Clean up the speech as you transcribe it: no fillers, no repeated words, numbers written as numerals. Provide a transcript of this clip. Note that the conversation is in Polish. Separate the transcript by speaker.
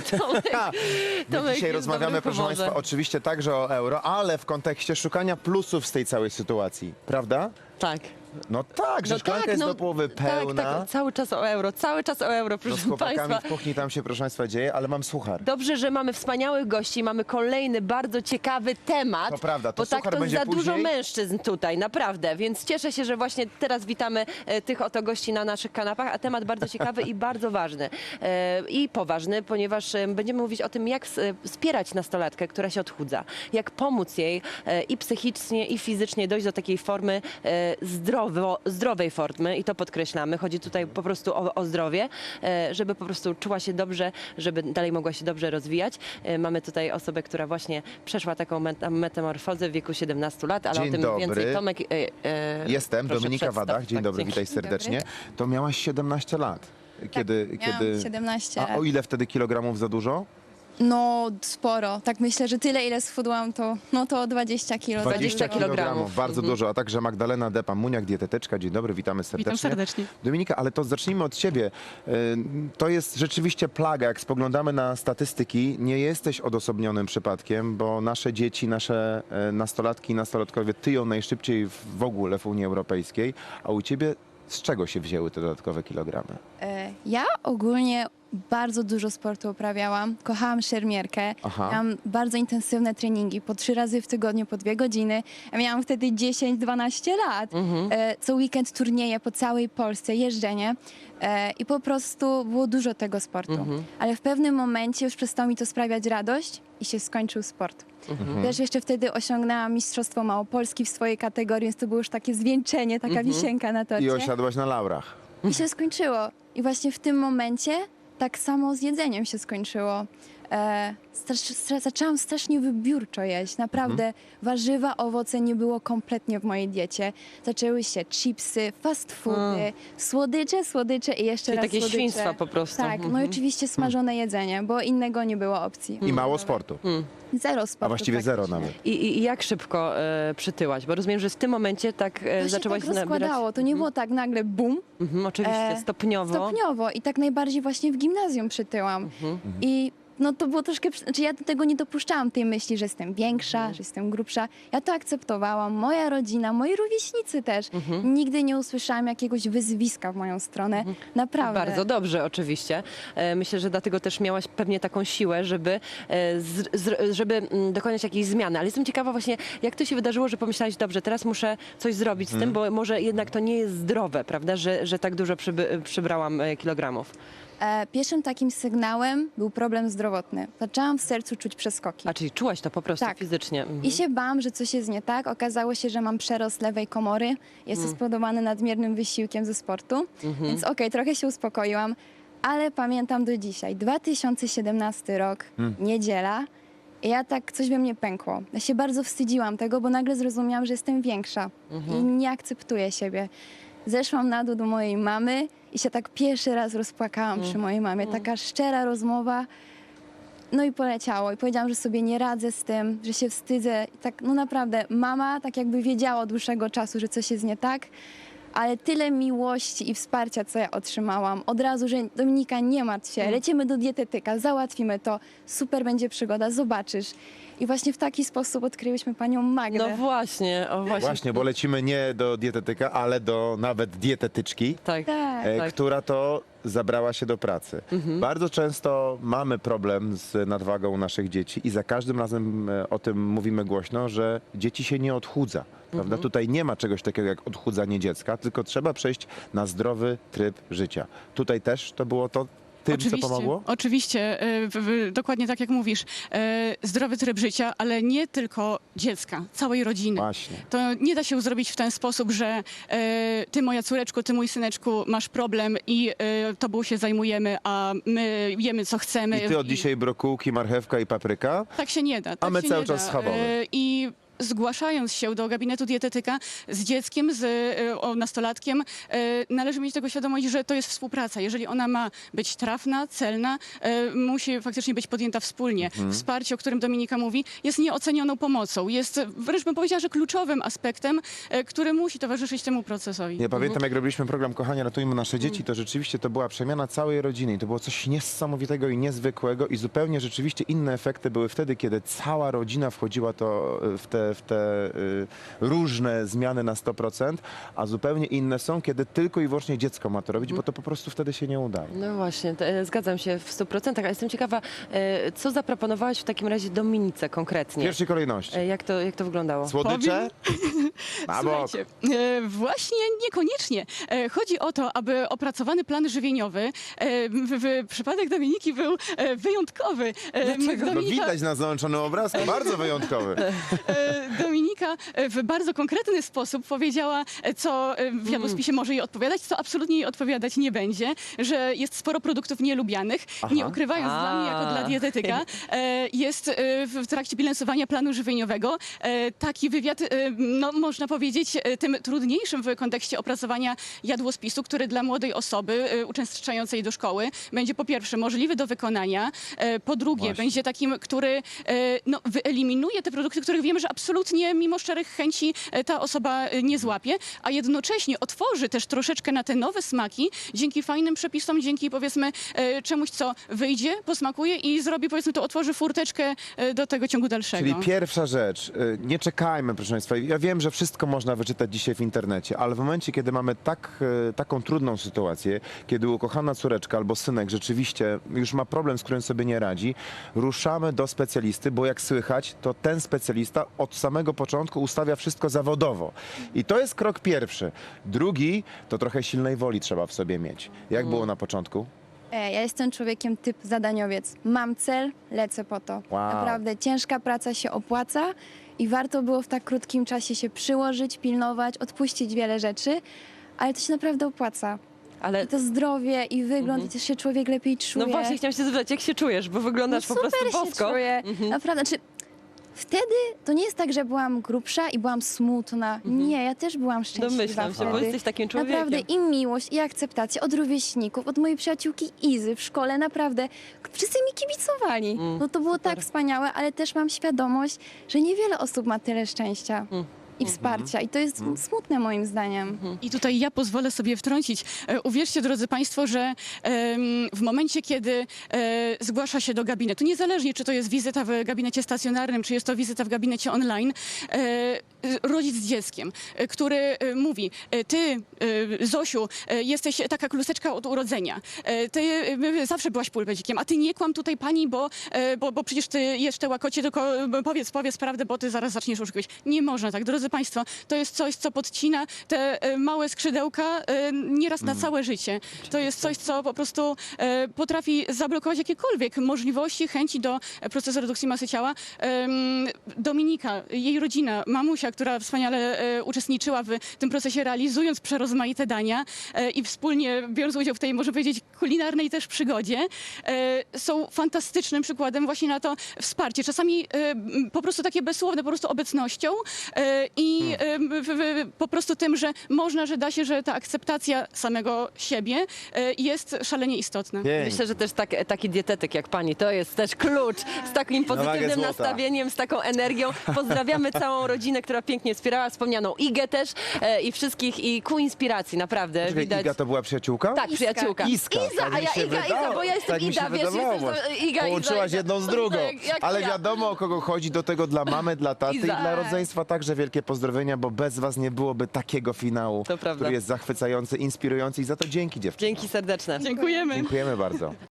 Speaker 1: My dzisiaj
Speaker 2: jest
Speaker 1: rozmawiamy,
Speaker 2: dobrym
Speaker 1: proszę
Speaker 2: humorze.
Speaker 1: Państwa, oczywiście także o euro, ale w kontekście szukania plusów z tej całej sytuacji, prawda?
Speaker 2: Tak.
Speaker 1: No tak, że szklanka jest do połowy pełna.
Speaker 2: Tak, cały czas o euro,
Speaker 1: No
Speaker 2: proszę
Speaker 1: z chłopakami
Speaker 2: Państwa.
Speaker 1: w kuchni tam się, proszę Państwa, dzieje, ale mam suchar.
Speaker 2: Dobrze, że mamy wspaniałych gości, mamy kolejny bardzo ciekawy temat.
Speaker 1: To prawda, to
Speaker 2: bo tak
Speaker 1: suchar
Speaker 2: to
Speaker 1: będzie
Speaker 2: za dużo
Speaker 1: później.
Speaker 2: mężczyzn tutaj, naprawdę. Więc cieszę się, że właśnie teraz witamy tych oto gości na naszych kanapach, a temat bardzo ciekawy i bardzo ważny. I poważny, ponieważ będziemy mówić o tym, jak wspierać nastolatkę, która się odchudza. Jak pomóc jej i psychicznie, i fizycznie dojść do takiej formy zdrowej formy i to podkreślamy. Chodzi tutaj po prostu o zdrowie, żeby po prostu czuła się dobrze, żeby dalej mogła się dobrze rozwijać. Mamy tutaj osobę, która właśnie przeszła taką metamorfozę w wieku 17 lat, ale
Speaker 1: Dzień
Speaker 2: o tym
Speaker 1: dobry.
Speaker 2: więcej Tomek.
Speaker 1: Jestem,
Speaker 2: proszę,
Speaker 1: Dominika
Speaker 2: przedstaw.
Speaker 1: Wadach. Dzień
Speaker 2: Tak,
Speaker 1: dobry,
Speaker 2: dzięki.
Speaker 1: witaj serdecznie. To miałaś 17 lat. Kiedy,
Speaker 3: Miałam 17
Speaker 1: A
Speaker 3: lat.
Speaker 1: o ile wtedy kilogramów za dużo?
Speaker 3: No sporo. Tak myślę, że tyle ile schudłam to 20 kilo.
Speaker 2: 20 kilogramów.
Speaker 1: Bardzo dużo, a także Magdalena Depa-Muniak, dietetyczka. Dzień dobry, witamy serdecznie.
Speaker 4: Witam serdecznie.
Speaker 1: Dominika, ale to zacznijmy od ciebie. To jest rzeczywiście plaga. Jak spoglądamy na statystyki, nie jesteś odosobnionym przypadkiem, bo nasze dzieci, nasze nastolatki i nastolatkowie tyją najszybciej w ogóle w Unii Europejskiej, a u ciebie z czego się wzięły te dodatkowe kilogramy?
Speaker 3: Ja ogólnie bardzo dużo sportu uprawiałam. Kochałam szermierkę.
Speaker 1: Aha.
Speaker 3: Miałam bardzo intensywne treningi po 3 razy w tygodniu, po 2 godziny. Ja miałam wtedy 10-12 lat. Co weekend turnieje po całej Polsce, jeżdżenie. I po prostu było dużo tego sportu. Ale w pewnym momencie już przestało mi to sprawiać radość i się skończył sport. Też jeszcze wtedy osiągnęłam Mistrzostwo Małopolski w swojej kategorii, więc to było już takie zwieńczenie, taka wisienka na torcie.
Speaker 1: I osiadłaś na laurach.
Speaker 3: I się skończyło. I właśnie w tym momencie tak samo z jedzeniem się skończyło. Zaczęłam strasznie wybiórczo jeść. Naprawdę warzywa, owoce nie było kompletnie w mojej diecie. Zaczęły się chipsy, fast foody, słodycze i jeszcze
Speaker 2: Czyli
Speaker 3: raz
Speaker 2: takie
Speaker 3: słodycze.
Speaker 2: świństwa po prostu.
Speaker 3: Tak, no i oczywiście smażone jedzenie, bo innego nie było opcji.
Speaker 1: I mało sportu.
Speaker 3: Zero sportu.
Speaker 1: A właściwie zero
Speaker 3: praktycznie.
Speaker 1: nawet.
Speaker 2: I jak szybko przytyłaś? Bo rozumiem, że w tym momencie tak
Speaker 3: To się
Speaker 2: zaczęłaś
Speaker 3: tak rozkładało. To nie było tak nagle bum,
Speaker 2: Oczywiście, stopniowo.
Speaker 3: stopniowo i tak najbardziej właśnie w gimnazjum przytyłam. I no to było troszkę, znaczy ja do tego nie dopuszczałam tej myśli, że jestem większa, że jestem grubsza. Ja to akceptowałam, moja rodzina, moi rówieśnicy też. Nigdy nie usłyszałam jakiegoś wyzwiska w moją stronę. Naprawdę.
Speaker 2: Bardzo dobrze, oczywiście. Myślę, że dlatego też miałaś pewnie taką siłę, żeby dokonać jakiejś zmiany. Ale jestem ciekawa właśnie, jak to się wydarzyło, że pomyślałaś, dobrze, teraz muszę coś zrobić z tym, bo może jednak to nie jest zdrowe, prawda, że tak dużo przybrałam kilogramów.
Speaker 3: Pierwszym takim sygnałem był problem zdrowotny. Zaczęłam w sercu czuć przeskoki.
Speaker 2: A czyli czułaś to po prostu
Speaker 3: Tak.
Speaker 2: fizycznie.
Speaker 3: I się bałam, że coś jest nie tak. Okazało się, że mam przerost lewej komory. Jest to spowodowane nadmiernym wysiłkiem ze sportu. Więc okej, trochę się uspokoiłam. Ale pamiętam do dzisiaj. 2017 rok, niedziela. I ja tak, coś we mnie pękło. Ja się bardzo wstydziłam tego, bo nagle zrozumiałam, że jestem większa. I nie akceptuję siebie. Zeszłam na dół do mojej mamy i się tak pierwszy raz rozpłakałam przy mojej mamie. Taka szczera rozmowa. No i poleciało. I powiedziałam, że sobie nie radzę z tym, że się wstydzę. I tak, no naprawdę, mama tak jakby wiedziała od dłuższego czasu, że coś jest nie tak. Ale tyle miłości i wsparcia, co ja otrzymałam. Od razu, że Dominika, nie martw się, lecimy do dietetyka, załatwimy to. Super będzie przygoda, zobaczysz. I właśnie w taki sposób odkryłyśmy panią Magdę.
Speaker 2: No właśnie,
Speaker 1: Właśnie, bo lecimy nie do dietetyka, ale do nawet dietetyczki,
Speaker 2: Tak.
Speaker 3: Tak.
Speaker 2: Tak.
Speaker 1: która to zabrała się do pracy. Bardzo często mamy problem z nadwagą naszych dzieci i za każdym razem o tym mówimy głośno, że dzieci się nie odchudza. Prawda? Tutaj nie ma czegoś takiego jak odchudzanie dziecka, tylko trzeba przejść na zdrowy tryb życia. Tutaj też to było to tym, co pomogło?
Speaker 4: Oczywiście, dokładnie tak jak mówisz. Zdrowy tryb życia, ale nie tylko dziecka, całej rodziny.
Speaker 1: Właśnie.
Speaker 4: To nie da się zrobić w ten sposób, że ty, moja córeczko, ty, mój syneczku, masz problem i tobą się zajmujemy, a my jemy, co chcemy.
Speaker 1: I ty od dzisiaj brokułki, marchewka i papryka?
Speaker 4: Tak się nie da. Tak
Speaker 1: my
Speaker 4: się
Speaker 1: cały
Speaker 4: nie
Speaker 1: czas
Speaker 4: da.
Speaker 1: schabowy.
Speaker 4: I zgłaszając się do gabinetu dietetyka z dzieckiem, nastolatkiem, należy mieć tego świadomość, że to jest współpraca. Jeżeli ona ma być trafna, celna, musi faktycznie być podjęta wspólnie. Wsparcie, o którym Dominika mówi, jest nieocenioną pomocą. Jest, wręcz bym powiedziała, że kluczowym aspektem, który musi towarzyszyć temu procesowi.
Speaker 1: Ja pamiętam, jak robiliśmy program Kochanie, ratujmy nasze dzieci, to rzeczywiście to była przemiana całej rodziny i to było coś niesamowitego i niezwykłego i zupełnie rzeczywiście inne efekty były wtedy, kiedy cała rodzina wchodziła w te różne zmiany na 100%, a zupełnie inne są, kiedy tylko i wyłącznie dziecko ma to robić, bo to po prostu wtedy się nie udaje.
Speaker 2: No właśnie, zgadzam się w 100%, a jestem ciekawa, co zaproponowałaś w takim razie Dominice
Speaker 1: W
Speaker 2: konkretnie?
Speaker 1: pierwszej kolejności.
Speaker 2: Jak to wyglądało?
Speaker 1: Słodycze? Na bok.
Speaker 4: Słuchajcie, właśnie niekoniecznie. Chodzi o to, aby opracowany plan żywieniowy w przypadek Dominiki był wyjątkowy.
Speaker 1: No widać na załączonym obrazku, bardzo wyjątkowy.
Speaker 4: Dominika w bardzo konkretny sposób powiedziała, co w jadłospisie może jej odpowiadać, co absolutnie jej odpowiadać nie będzie, że jest sporo produktów nielubianych. Nie ukrywając, dla mnie jako dla dietetyka jest w trakcie bilansowania planu żywieniowego taki wywiad, no można powiedzieć, tym trudniejszym w kontekście opracowania jadłospisu, który dla młodej osoby uczęszczającej do szkoły będzie po pierwsze możliwy do wykonania, po drugie
Speaker 1: Właśnie.
Speaker 4: będzie takim, który no, wyeliminuje te produkty, których wiemy, że absolutnie mimo szczerych chęci ta osoba nie złapie, a jednocześnie otworzy też troszeczkę na te nowe smaki dzięki fajnym przepisom, dzięki powiedzmy czemuś, co wyjdzie, posmakuje i zrobi, powiedzmy, to otworzy furteczkę do tego ciągu dalszego.
Speaker 1: Czyli pierwsza rzecz, nie czekajmy, proszę Państwa. Ja wiem, że wszystko można wyczytać dzisiaj w internecie, ale w momencie, kiedy mamy taką trudną sytuację, kiedy ukochana córeczka albo synek rzeczywiście już ma problem, z którym sobie nie radzi, ruszamy do specjalisty, bo jak słychać, to ten specjalista od samego początku ustawia wszystko zawodowo. I to jest krok pierwszy. Drugi, to trochę silnej woli trzeba w sobie mieć. Jak było na początku?
Speaker 3: Ja jestem człowiekiem typ zadaniowiec. Mam cel, lecę po to.
Speaker 1: Wow.
Speaker 3: Naprawdę ciężka praca się opłaca i warto było w tak krótkim czasie się przyłożyć, pilnować, odpuścić wiele rzeczy, ale to się naprawdę opłaca.
Speaker 2: Ale
Speaker 3: I to zdrowie i wygląd, i też się człowiek lepiej czuje.
Speaker 2: no właśnie, chciałam się zapytać, jak się czujesz, bo wyglądasz po prostu
Speaker 3: super
Speaker 2: bosko.
Speaker 3: się czuję. Naprawdę, znaczy wtedy to nie jest tak, że byłam grubsza i byłam smutna. Nie, ja też byłam szczęśliwa
Speaker 2: Domyślam się,
Speaker 3: wtedy.
Speaker 2: bo jesteś takim człowiekiem.
Speaker 3: Naprawdę i miłość, i akceptacja od rówieśników, od mojej przyjaciółki Izy w szkole, naprawdę. Wszyscy mi kibicowali. No to było tak wspaniałe, ale też mam świadomość, że niewiele osób ma tyle szczęścia i wsparcia. I to jest smutne moim zdaniem.
Speaker 4: I tutaj ja pozwolę sobie wtrącić. Uwierzcie, drodzy Państwo, że w momencie, kiedy zgłasza się do gabinetu, niezależnie czy to jest wizyta w gabinecie stacjonarnym, czy jest to wizyta w gabinecie online, rodzic z dzieckiem, który mówi, ty, Zosiu, jesteś taka kluseczka od urodzenia, ty zawsze byłaś pulpedzikiem, a ty nie kłam tutaj pani, bo przecież ty jesz te łakocie, tylko powiedz prawdę, bo ty zaraz zaczniesz oszukiwać. Nie można tak, drodzy Państwo, to jest coś, co podcina te małe skrzydełka nieraz na całe życie. To jest coś, co po prostu potrafi zablokować jakiekolwiek możliwości, chęci do procesu redukcji masy ciała. Dominika, jej rodzina, mamusia, która wspaniale uczestniczyła w tym procesie, realizując przerozmaite dania i wspólnie biorąc udział w tej, można powiedzieć, kulinarnej też przygodzie, są fantastycznym przykładem właśnie na to wsparcie. Czasami po prostu takie bezsłowne, po prostu obecnością i po prostu tym, że można, że da się, że ta akceptacja samego siebie jest szalenie istotna.
Speaker 1: Pięknie.
Speaker 2: Myślę, że też taki dietetyk jak pani, to jest też klucz z takim
Speaker 1: wagę
Speaker 2: pozytywnym
Speaker 1: złota.
Speaker 2: nastawieniem, z taką energią. Pozdrawiamy całą rodzinę, która pięknie wspierała, wspomnianą Igę też i wszystkich i ku inspiracji, naprawdę.
Speaker 1: Czekaj,
Speaker 2: Widać.
Speaker 1: Iga to była przyjaciółka?
Speaker 2: Tak, przyjaciółka.
Speaker 1: Iska,
Speaker 2: Iza,
Speaker 1: tak
Speaker 2: a
Speaker 1: mi
Speaker 2: ja
Speaker 1: się
Speaker 2: Iga,
Speaker 1: wydało.
Speaker 2: bo ja jestem
Speaker 1: Tak mi się
Speaker 2: Ida, wiesz,
Speaker 1: wydawało.
Speaker 2: jesteś Iga,
Speaker 1: Połączyłaś
Speaker 2: Iza.
Speaker 1: jedną z drugą.
Speaker 2: Jak
Speaker 1: Ale
Speaker 2: ja.
Speaker 1: wiadomo, o kogo chodzi, do tego dla mamy, dla taty
Speaker 2: Iza.
Speaker 1: i dla rodzeństwa także wielkie pozdrowienia, bo bez was nie byłoby takiego finału,
Speaker 2: To prawda.
Speaker 1: który jest zachwycający, inspirujący i za to dzięki dziewczyny.
Speaker 2: Dzięki serdeczne.
Speaker 4: Dziękujemy.
Speaker 1: Dziękujemy bardzo.